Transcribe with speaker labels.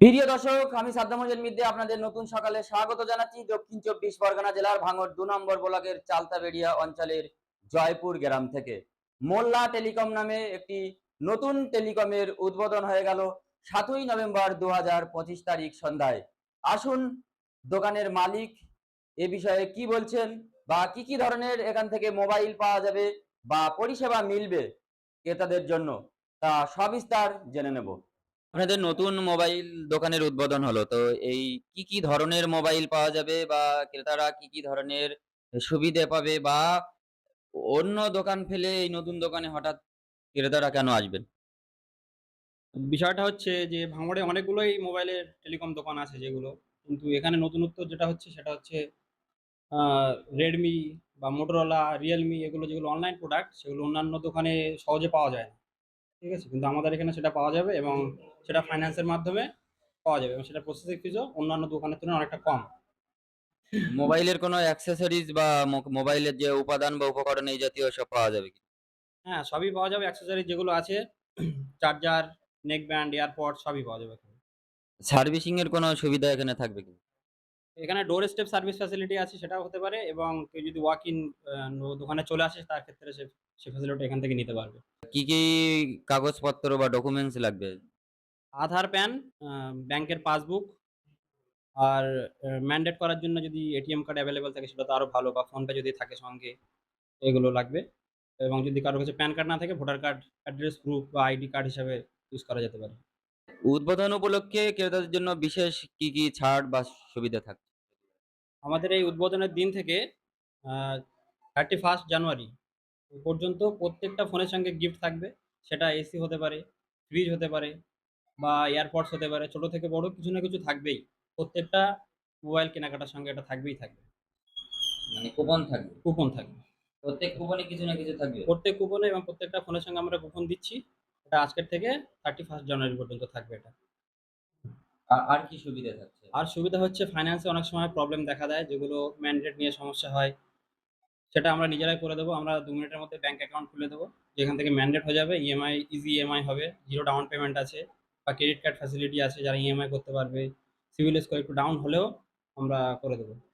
Speaker 1: প্রিয় দর্শক, আমি সাদ্দাম হোসেন মিদ্দে আপনাদের নতুন সকালে স্বাগত জানাচ্ছি দক্ষিণ 24 পরগনা জেলার ভাঙড় 2 নম্বর ব্লকের চালতাবেড়িয়া অঞ্চলের জয়পুর গ্রাম থেকে। মোল্লা টেলিকম নামে একটি নতুন টেলিকমের উদ্বোধন হয়ে গেল 7ই নভেম্বর 2025 তারিখ সন্ধ্যায়। আসুন দোকানের মালিক এ বিষয়ে কি বলছেন বা কি ধরনের এখান থেকে মোবাইল পাওয়া যাবে বা পরিষেবা মিলবে ক্রেতাদের জন্য, তা সবিস্তার জেনে নেব। আপনাদের নতুন মোবাইল দোকানের উদ্বোধন হলো। তো এই কি ধরনের মোবাইল পাওয়া যাবে বা ক্রেতারা কি ধরনের সুবিধে পাবে বা অন্য দোকান ফেলে এই নতুন দোকানে হঠাৎ ক্রেতারা কেন আসবেন?
Speaker 2: বিষয়টা হচ্ছে যে ভাঙড়ে অনেকগুলোই মোবাইলের টেলিকম দোকান আছে যেগুলো। কিন্তু এখানে নতুনত্ব যেটা হচ্ছে সেটা হচ্ছে আ Redmi বা Motorola, Realme এগুলো যেগুলো অনলাইন প্রোডাক্ট সেগুলো অন্যান্য দোকানে সহজে পাওয়া যায় না। ঠিক আছে? কিন্তু আমাদের এখানে সেটা পাওয়া যাবে এবং সেটা ফাইন্যান্সের মাধ্যমে পাওয়া যাবে এবং সেটার প্রসেসিং ফিসও অন্যান্য দোকানের তুলনায় অনেকটা কম।
Speaker 1: মোবাইলের কোনো অ্যাক্সেসরিজ বা মোবাইলের যে উপাদান বা উপকরণ এই জাতীয় সব পাওয়া যাবে কি?
Speaker 2: হ্যাঁ, সবই পাওয়া যাবে অ্যাক্সেসরিজ যেগুলো আছে চার্জার, নেক ব্যান্ড, এয়ারপড সবই পাওয়া যাবে এখানে।
Speaker 1: সার্ভিসিং এর কোনো সুবিধা এখানে থাকবে কি?
Speaker 2: এখানে ডোর স্টেপ সার্ভিস ফ্যাসিলিটি আছে সেটাও হতে পারে এবং কেউ যদি ওয়াক ইন দোকানে চলে আসে তার ক্ষেত্রে সে ফ্যাসিলিটি এখান থেকে নিতে পারবে।
Speaker 1: কি কাগজপত্র বা ডকুমেন্টস লাগবে?
Speaker 2: আধার, প্যান, আ ব্যাংকের পাসবুক আর ম্যান্ডেট করার জন্য যদি এটিএম কার্ড এভেইলেবল থাকে সেটা তো আরো ভালো বা ফোনপে যদি থাকে সঙ্গে এগুলো লাগবে। এবং যদি কারো কাছে প্যান কার্ড না থাকে ভোটার কার্ড, অ্যাড্রেস প্রুফ বা আইডি কার্ড হিসাবে ইউজ করা যেতে পারে।
Speaker 1: উদ্বোধন উপলক্ষে ক্রেতাদের জন্য বিশেষ কি ছাড় বা সুবিধা থাকছে?
Speaker 2: আমাদের এই উদ্বোধনের দিন থেকে আ 31 জানুয়ারি পর্যন্ত প্রত্যেকটা ফোনের সঙ্গে গিফট থাকবে। সেটা এসি হতে পারে, ফ্রিজ হতে পারে বা এয়ারপডস হতে পারে। ছোট থেকে বড় কিছু না কিছু থাকবেই। প্রত্যেকটা মোবাইল কেনাকাটার সঙ্গে এটা থাকবেই থাকবে।
Speaker 1: মানে কুপন থাকবে।
Speaker 2: কুপন থাকবে।
Speaker 1: প্রত্যেক কুপনে কিছু না কিছু থাকবে।
Speaker 2: প্রত্যেক কুপনে এবং প্রত্যেকটা ফোনের সঙ্গে আমরা কুপন দিচ্ছি। এটা আজকের থেকে 31 জানুয়ারি পর্যন্ত থাকবে এটা।
Speaker 1: আর কি সুবিধা থাকছে?
Speaker 2: আর সুবিধা হচ্ছে ফাইন্যান্স এ অনেক সময় প্রবলেম দেখা দেয় যেগুলো ম্যান্ডেট নিয়ে সমস্যা হয়। সেটা আমরা নিজেরাই করে দেব। আমরা ২ মিনিটের মধ্যে ব্যাংক অ্যাকাউন্ট খুলে দেব। যেখান থেকে ম্যান্ডেট হয়ে যাবে। ইএমআই, ইজি ইএমআই হবে। 0 ডাউন পেমেন্ট আছে বা ক্রেডিট কার্ড ফ্যাসিলিটি আছে যারা ইএমআই করতে পারবে। সিবিল স্কোর একটু ডাউন হলেও আমরা করে দেব।